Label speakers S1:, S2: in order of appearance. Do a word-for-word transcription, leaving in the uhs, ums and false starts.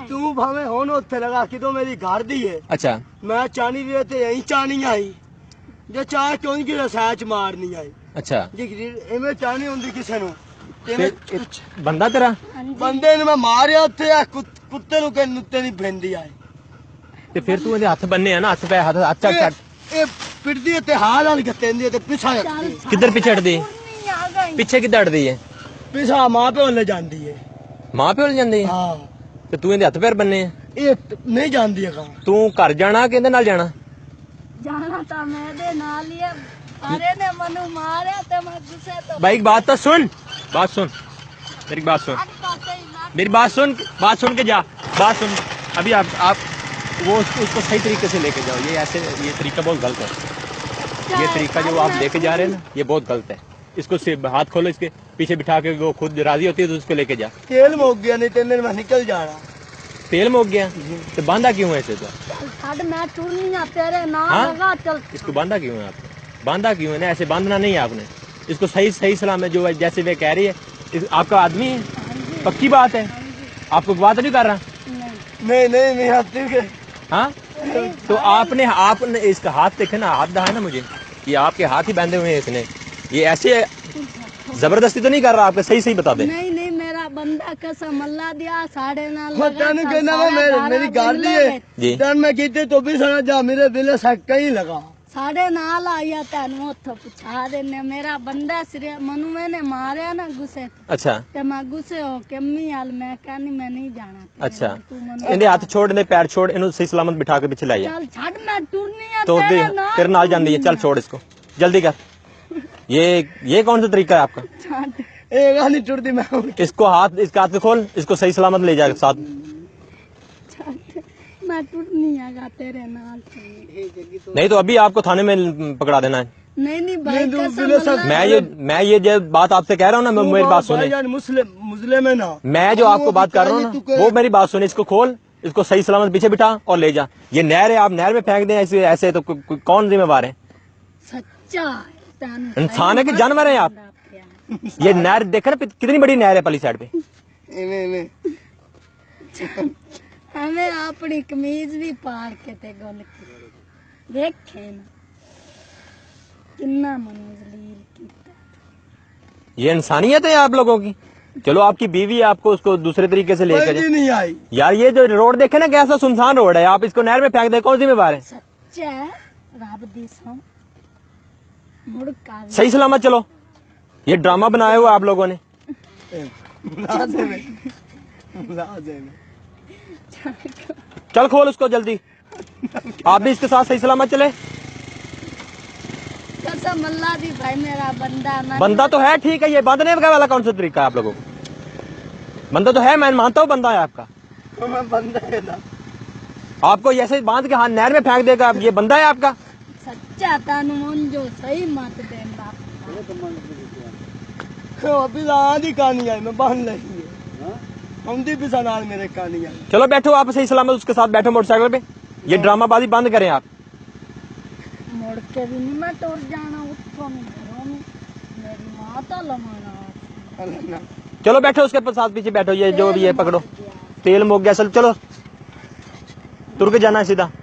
S1: तू भावे होन उत्थे लगा कि तो मेरी घर दी है।
S2: अच्छा
S1: मैं चाहनी भी ते यही चाहनी आई जे चाह क्यों कि रसैच मारनी आई।
S2: अच्छा
S1: जी इवें चाहनी हुंदी किसे नु
S2: फिर बंदा तेरा
S1: बंदे ने मैं मारिया उत्थे कुत्ते नु के नुत्ते नी भेंदी आई
S2: ते फिर तू हथ बन्ने है ना हथ पे हथ अच्छा
S1: ए पिटदी ते हाल वाली गतेंदी ते पिछा
S2: किधर पिछे हटदी पिछे किधर हटदी है
S1: पिछा मां पे ले जांदी है
S2: मां पे ले जांदी है।
S1: हां
S2: ते तू इहदे हथ पैर बन्ने है
S1: ए नहीं जांदी है कहां तू
S2: घर जाना कि इहदे नाल जाना
S3: जाना ता मैं दे नाल ही है अरे ने मनु मारे ते मैं गुस्से तो
S2: भाई बात तो सुन बात सुन मेरी बात सुन मेरी बात सुन बात सुन के जा बात सुन अभी आप आप वो उसको सही तरीके से लेके जाओ। ये ऐसे ये तरीका बहुत गलत है। ये तरीका जो आप लेके जा रहे हैं ना ये बहुत गलत है। इसको सिर्फ हाथ खोलो इसके पीछे बिठा के वो खुद राजी होती है तो उसको लेके जा।
S1: तेल मोक गया नहीं तेल में निकल जाना
S2: तेल मोक गया तो बांधा क्यों है इसे तो
S3: छड़ मैं टूरनी तेरे ना लगा चल
S2: इसको बांधा क्यों है आपने बांधा क्यों है ना ऐसे बांधना नहीं है आपने इसको सही सही सलाम है जो जैसे वे कह रही है आपका आदमी है पक्की बात है आपको बात नहीं कर रहा
S1: नहीं नहीं नहीं आती
S2: हाँ तो आपने आपने इसका हाथ देखे ना हाथ दहा ना मुझे ये आपके हाथ ही बांधे हुए हैं इसने ये ऐसे जबरदस्ती तो नहीं कर रहा आपके सही सही बता दे
S3: नहीं नहीं मेरा बंदा कसम अल्लाह दिया साढ़े ना
S1: तेन कहना मैं मेरी गाड़ दी है तेन मैं कीते तो भी सना जा मेरे दिल सक्का ही लगा
S3: साढ़े नाल आया तेन उतो पुछा देने मेरा बंदा सिरे मनु मैंने मारे ना गुस्से
S2: अच्छा
S3: ते मैं गुस्से हो के अम्मी आल मैं कहनी मैं नहीं जाना
S2: अच्छा इन्हें हाथ छोड़ इन्हें पैर छोड़ इन्हें सही सलामत बिठा के पीछे लाई
S3: चल छड़ मैं टूरनी है
S2: तो तेरे नाल जांदी है चल छोड़ इसको जल्दी कर ये ये कौन सा तरीका है आपका
S1: एक नहीं टूटती मैं
S2: इसको हाथ इसका हाथ खोल इसको सही सलामत ले जाए साथ
S3: मैं टूटनी आगा तेरे नाल
S2: नहीं तो अभी आपको थाने में पकड़ा देना है
S3: नहीं नहीं भाई कसम
S2: मैं ये मैं ये जो बात आपसे कह रहा हूँ ना मेरी बात सुने
S1: मुस्लिम मुस्लिम है ना
S2: मैं जो आपको बात कर रहा हूँ ना वो मेरी बात सुने इसको खोल इसको सही सलामत पीछे बिठा और ले जा। ये नहर है आप नहर में फेंक दें ऐसे ऐसे तो कौन जिम्मेवार है
S3: सच्चा
S2: इंसान है कि जानवर है आप। ये नहर देखे ना कितनी बड़ी नहर है पली साइड पे
S3: हमें अपनी कमीज भी पार के ते गल देखे ना कितना मनजलील कीता
S2: ये इंसानियत है आप लोगों की। चलो आपकी बीवी है आपको उसको दूसरे तरीके से लेकर
S1: जाए नहीं आई
S2: यार ये जो रोड देखे ना कैसा सुनसान रोड है आप इसको नहर में फेंक दे कौन जिम्मेवार है।
S3: सच्चा रब दी सौ मुड़ का
S2: सही सलामत चलो ये ड्रामा बनाया हुआ आप लोगों ने चल खोल उसको जल्दी आप भी इसके साथ सही सलामत चले।
S3: कसम अल्लाह दी भाई मेरा बंदा मैं
S2: बंदा तो है ठीक है ये बांधने वाला कौन सा तरीका है आप लोगों को बंदा तो है मैं मानता हूँ बंदा है आपका
S1: बंदा है ना
S2: आपको ऐसे बांध के हाथ नहर में फेंक देगा ये बंदा है आपका।
S3: सच्चा तानु मन जो सही मत देना
S1: अभी आधी कहानी आई मैं बांध लगी है हमदी भी सनाल मेरे कहानी आई।
S2: चलो बैठो आप सही सलामत उसके साथ बैठो मोटरसाइकिल पे ये ड्रामाबाजी बंद करें आप।
S3: मुड़ के भी नहीं मैं टूट जाना उसको मेरी माँ तो लमाना
S2: चलो बैठो उसके साथ पीछे बैठो ये जो भी है पकड़ो तेल मुक गया चल चलो तुर के जाना है सीधा।